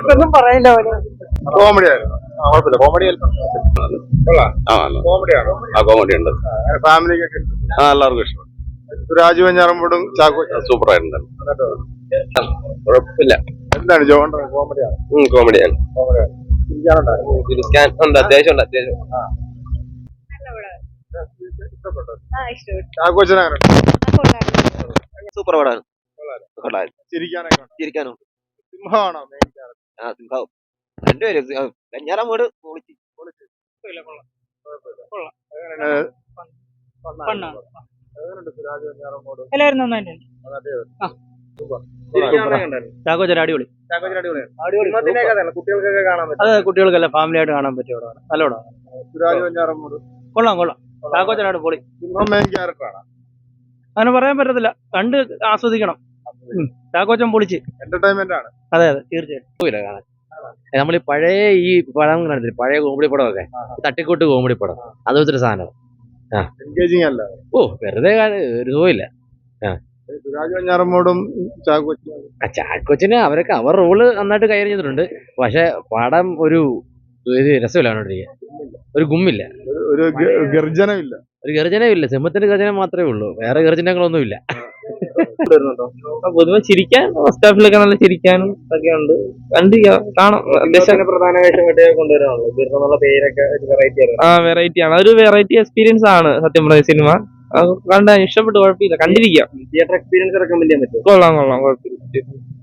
ഒന്നും പറയില്ല കോമഡി ആയിരുന്നു. കോമഡി കോമഡി ഉണ്ട്. ഫാമിലിക്കൊക്കെ എല്ലാവർക്കും ഇഷ്ടം. സുരാജ് വെഞ്ഞാറമ്മൂടും ചാക്കോ സൂപ്പർ ആയിട്ടുണ്ട്. കുഴപ്പമില്ല. എന്താണ് ജോണ്ടർ? കോമഡിയാണ്. കോമഡിയാണ്. ചിരിക്കാൻ ഉണ്ട്, അത്യാവശ്യം ഉണ്ട്. സൂപ്പർ പടമാണ്. ചിരിക്കാനും സിംഹമാണോ? സിംഹം രണ്ടുപേരും വെഞ്ഞാറമ്മൂട് പൊളിച്ച്. എല്ലാവരും നന്നായിട്ടുണ്ട്. ചാക്കോച്ചൻ അടിപൊളി. കുട്ടികൾക്കൊക്കെ കാണാൻ പറ്റും. അതെ, കുട്ടികൾക്കല്ല ഫാമിലി ആയിട്ട് കാണാൻ പറ്റിയ പടമാണ്. നല്ല പടമാണ്. സുരാജ് വെഞ്ഞാറമ്മൂട് കൊള്ളാം. ചാക്കോച്ചനാണ് പൊളി. സിംഹം മെയിൻ ക്യാരക്ടറാണ്. അങ്ങനെ പറയാൻ പറ്റത്തില്ല, കണ്ട് ആസ്വദിക്കണം. ചാക്കോച്ചൻ പൊളിച്ച്. എന്റർടൈൻമെന്റ് ആണ്. അതെ തീർച്ചയായിട്ടും. നമ്മൾ ഈ പഴയ പടം കണ്ടില്ല, പഴയ കോമഡി പടമൊക്കെ, തട്ടിക്കൂട്ട് കോമഡി പടം, അതുപോലത്തെ സാധനം. എൻഗേജിങ് അല്ല. വെറുതെ ഒരു സുഖമില്ല. സുരാജ് വെഞ്ഞാറമ്മൂടും ചാക്കോച്ചന് അവരൊക്കെ അവർ റോള് നന്നായിട്ട് കൈകാര്യം ചെയ്തിട്ടുണ്ട്. പക്ഷെ പടം ഒരു രസമില്ല കണ്ടോണ്ടിരിക്കാൻ. ഒരു ഗുമ്മില്ല, ഒരു ഗർജനമില്ല. ഒരു ഗർജനമില്ല. സിംഹത്തിന്റെ ഗർജനം മാത്രമേ ഉള്ളൂ, വേറെ ഗർജനങ്ങളൊന്നുമില്ല. പൊതുവെ ചിരിക്കാൻ ഫസ്റ്റ് ഹാഫിലൊക്കെ നല്ല ചിരിക്കാനും ഒക്കെ ഉണ്ട്. കണ്ട് കാണാം. പ്രധാന വേഷം കൊണ്ടുവരാനുള്ള പേരൊക്കെ വെറൈറ്റി ആണ്. അതൊരു വെറൈറ്റി എക്സ്പീരിയൻസ് ആണ് സത്യം പറഞ്ഞ സിനിമ. കണ്ട ഇഷ്ടപ്പെട്ട്, കുഴപ്പമില്ല, കണ്ടിരിക്കാം. തിയേറ്റർ എക്സ്പീരിയൻസ് റെക്കമെൻഡ് ചെയ്യാൻ പറ്റും. കൊള്ളാം കുഴപ്പമില്ല.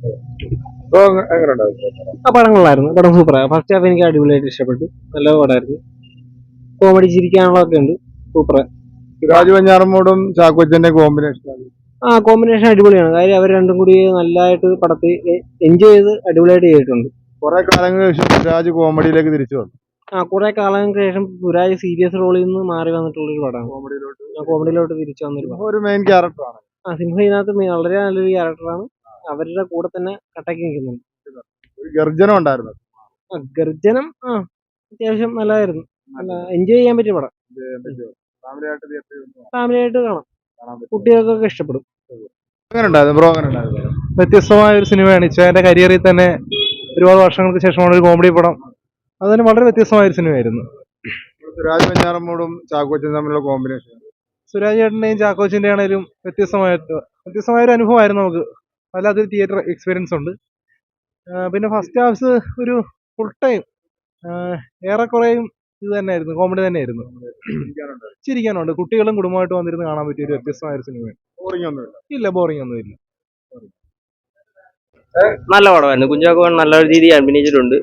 ആ പടം കൊള്ളായിരുന്നു. പടം സൂപ്പറാണ്. ഫസ്റ്റ് ഹാഫ് എനിക്ക് അടിപൊളിയായിട്ട് ഇഷ്ടപ്പെട്ടു. നല്ല പടമായിരുന്നു. കോമഡി ചിരിക്കാനുള്ളതൊക്കെ ഉണ്ട്. സൂപ്പർ. സുരാജ് വെഞ്ഞാറമ്മൂടും ചാക്കോച്ചന്റെ കോമ്പിനേഷൻ. കോമ്പിനേഷൻ അടിപൊളിയാണ്. കാര്യം അവർ രണ്ടും കൂടി നല്ലതായിട്ട് പടത്തിൽ എൻജോയ് ചെയ്ത് അടിപൊളിയായിട്ട് ചെയ്തിട്ടുണ്ട്. കുറെ കാലങ്ങൾക്ക് ശേഷം സുരാജ് കോമഡിയിലേക്ക് തിരിച്ചു വന്നു. കുറെ കാലങ്ങൾക്ക് ശേഷം സുരാജ് സീരിയസ് റോളിൽ നിന്ന് മാറി വന്നിട്ടുള്ളൊരു പടമാണ്. കോമഡിയിലോട്ട് തിരിച്ചു വന്നൊരു പടം. ഒരു മെയിൻ ക്യാരക്ടറാണ്. സിംഹ ഇതിനകത്ത് വളരെ നല്ലൊരു ക്യാരക്ടറാണ്. അവരുടെ കൂടെ തന്നെ കട്ടക്ക് നിൽക്കുന്നുണ്ട്. ഒരു ഗർജനം ഉണ്ടായിരുന്നു. ഗർജനം അത്യാവശ്യം നല്ലതായിരുന്നു. നല്ല എൻജോയ് ചെയ്യാൻ പറ്റിയ പടം. ഫാമിലിയായിട്ട് കാണാം. കുട്ടികൾക്കൊക്കെ ഇഷ്ടപ്പെടും. വ്യത്യസ്തമായ ഒരു സിനിമയാണ്. ഇച്ചായന്റെ കരിയറിൽ തന്നെ ഒരുപാട് വർഷങ്ങൾക്ക് ശേഷമാണ് ഒരു കോമഡി പടം. അതിന് വളരെ വ്യത്യസ്തമായ ഒരു സിനിമയായിരുന്നു. സുരാജ് വെഞ്ഞാറമ്മൂടും ചാക്കോച്ചനും തമ്മിലുള്ള കോമ്പിനേഷൻ. സുരാജ് ചേട്ടന്റെയും ചാക്കോച്ചിന്റെ ആണെങ്കിലും വ്യത്യസ്തമായ ഒരു അനുഭവമായിരുന്നു നമുക്ക്. വല്ലാത്തൊരു തിയേറ്റർ എക്സ്പീരിയൻസ് ഉണ്ട്. പിന്നെ ഫസ്റ്റ് ഹാഫ് ഒരു ഫുൾ ടൈം ഏറെക്കുറെയും ഇത് തന്നെയായിരുന്നു, കോമഡി തന്നെയായിരുന്നു. ചിരിക്കാനുണ്ട്. കുട്ടികളും കുടുംബമായിട്ട് വന്നിരുന്ന് കാണാൻ പറ്റിയ ഒരു വ്യത്യസ്തമായ ഒരു സിനിമയാണ്. ഇല്ല, ബോറിംഗ് ഒന്നുമില്ല. നല്ല പടമായിരുന്നു. കുഞ്ചാക്കോ നല്ല രീതിയിൽ അഭിനയിച്ചിട്ടുണ്ട്.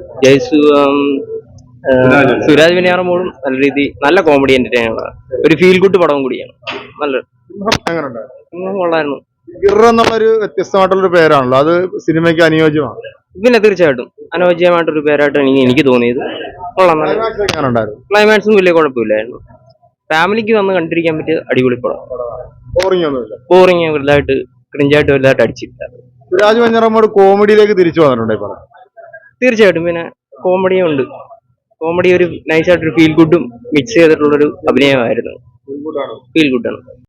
സുരാജ് വെഞ്ഞാറമ്മൂടും നല്ല രീതി, നല്ല കോമഡി എന്റർടൈനർ, ഒരു ഫീൽ ഗുഡ് പടവും കൂടിയാണ്. നല്ല കൊള്ളായിരുന്നു. എന്നുള്ളൊരു വ്യത്യസ്തമായിട്ടുള്ളൊരു പേരാണല്ലോ, അത് സിനിമയ്ക്ക് അനുയോജ്യമാണ്. പിന്നെ തീർച്ചയായിട്ടും അനുയോജ്യമായിട്ടൊരു പേരായിട്ടാണ് എനിക്ക് തോന്നിയത്. കൊള്ളാം. ക്ലൈമാക്സും വലിയ കുഴപ്പമില്ലായിരുന്നു. ഫാമിലിക്ക് വന്ന് കണ്ടിരിക്കാൻ പറ്റിയ അടിപൊളി പടം. ബോറിംഗ് വലുതായിട്ട്, ക്രിഞ്ചായിട്ട് വലുതായിട്ട് അടിച്ചില്ല. സുരാജ് വെഞ്ഞാറമ്മൂട് കോമഡിയിലേക്ക് തിരിച്ചു വന്നിട്ടുണ്ട് ഇപ്പോൾ. തീർച്ചയായിട്ടും. പിന്നെ കോമഡിയും ഉണ്ട്. കോമഡി ഒരു നൈസായിട്ടൊരു ഫീൽ ഗുഡും മിക്സ് ചെയ്തിട്ടുള്ളൊരു അഭിനയമായിരുന്നു. ഫീൽ ഗുഡാണ്.